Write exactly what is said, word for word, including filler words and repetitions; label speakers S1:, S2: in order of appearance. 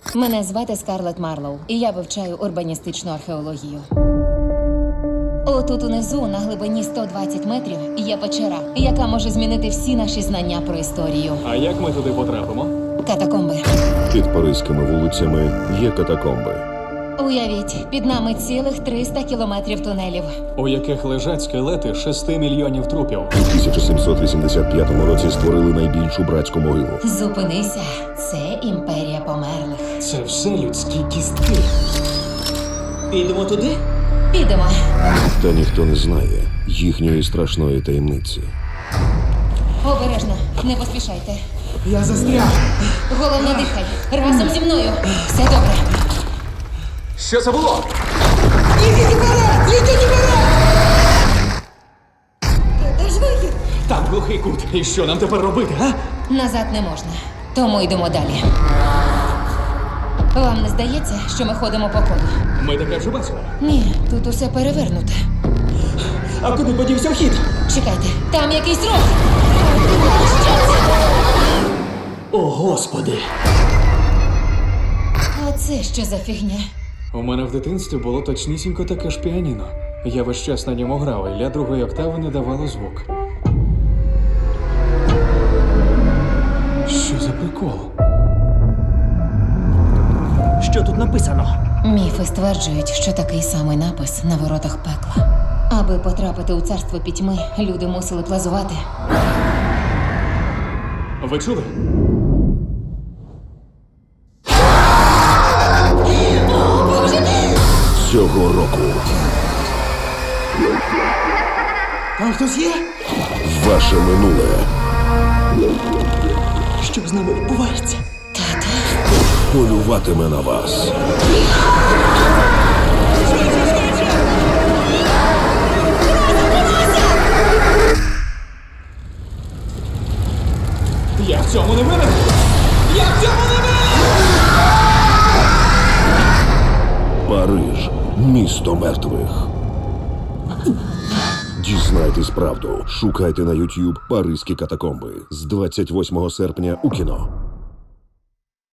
S1: Мене звати Скарлетт Марлоу, і я вивчаю урбаністичну археологію. Отут унизу, на глибині сто двадцять метрів, є печера, яка може змінити всі наші знання про історію.
S2: А як ми туди потрапимо?
S1: Катакомби.
S3: Під паризькими вулицями є катакомби.
S1: Уявіть, під нами цілих триста кілометрів тунелів.
S2: У яких лежать скелети шести мільйонів трупів.
S3: У тисяча сімсот вісімдесят п'ятому році створили найбільшу братську могилу.
S1: Зупинися, це імперія померлих.
S2: Це все людські кістки.
S4: Підемо туди?
S1: Підемо.
S3: Та ніхто не знає їхньої страшної таємниці.
S1: Обережно, не поспішайте.
S4: Я застряг.
S1: Головне дихай. Разом зі мною. Все добре.
S2: Що це було?
S4: Ідіть вперед! Ідіть вперед!
S1: Де ж вихід?
S2: Там глухий кут. І що нам тепер робити, а?
S1: Назад не можна. Тому йдемо далі. Вам не здається, що ми ходимо по колу?
S2: Ми таке вже бачили.
S1: Ні, тут усе перевернуте.
S4: А куди подівся вхід?
S1: Чекайте, там якийсь рух.
S4: О, Господи!
S1: А це що за фігня?
S2: У мене в дитинстві було точнісінько таке ж піаніно. Я весь час на ньому грав, і для другої октави не давало звук. Що за прикол?
S4: Що тут написано?
S1: Міфи стверджують, що такий самий напис на воротах пекла. Аби потрапити у царство пітьми, люди мусили плазувати.
S2: Ви чули?
S3: Цього року
S4: Там хтось є?
S3: ваше минуле
S4: Що з нами відбувається?
S1: Тата?
S3: полюватиме на вас.
S2: Я в цьому не винен! Я в цьому не винен!
S3: Париж – місто мертвих. Дізнайтесь правду. Шукайте на YouTube «Паризькі катакомби» з двадцять восьмого серпня у кіно.